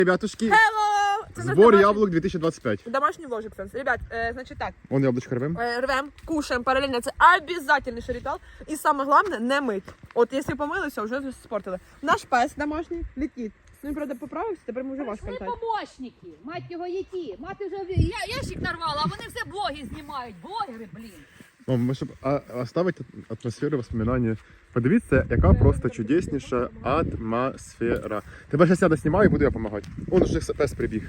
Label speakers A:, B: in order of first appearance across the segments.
A: Ребятушки,
B: Hello! Це наш
A: збор
B: домашній-
A: яблук 2025.
B: Домашній ложик, Сенс. Ребят, значить так,
A: Вон яблучко рвем.
B: рвем, кушаємо паралельно. Це обов'язковий ритуал. І саме головне, не мить. От якщо помилися, вже спортили. Наш пес домашній летить. Він, правда, поправився, тепер ми вже ваш
C: Прийшли
B: контакт.
C: помощники, мать його які. Мати вже ящик нарвала, а вони все блоги знімають. Блогери, блін.
A: Мам, ми щоб оставити атмосферу воспоминання. Подивіться, яка просто чудесніша атмосфера. Тебе зараз я знімаю і буду я допомагати. Он вже пес прибіг.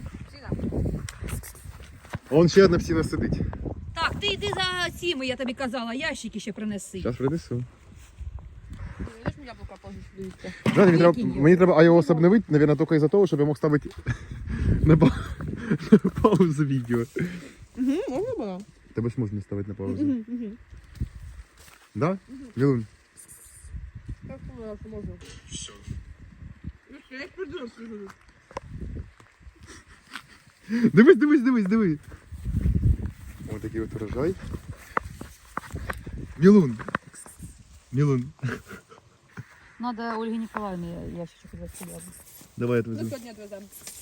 A: Он ще одна псина сидить.
C: Так, ти йди за цими, я тобі казала, ящики ще принеси.
A: Зараз принесу.
B: Знаєш, мені яблука позже дивіться.
A: Да, мені треба iOS обновити, мабуть, тільки із-за того, щоб я мог ставити на паузу відео.
B: Угу, можна було?
A: Тебе ж можна ставити на паузу. Да? Мілун?
B: Я вспомнила, що можна. Все. Я їх придурок сижу.
A: Дивись. Ось такий от урожай. Мілун.
C: Надо Ольгі Ніколаївні ящичок відвести яблук.
A: Давай я
B: Ну,
A: отвезу.
B: сьогодні відвеземо.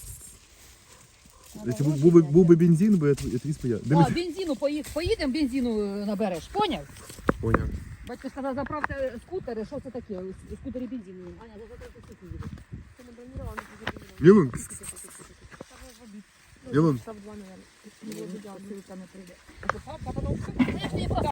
A: Якщо був би бензин, би я твій споя.
C: А, бензину поїдемо, бензину набереш, поняв?
A: Поняв.
C: Батько сказав, заправте скутери, що це таке? Скутері бензину. Аня, заправте скутери.
B: Це не бронировано, це забронировано.
A: Мілун.
B: Штаб 2, наверное.
C: Ссылка не прийде.
B: А папа научив?
C: Я ж не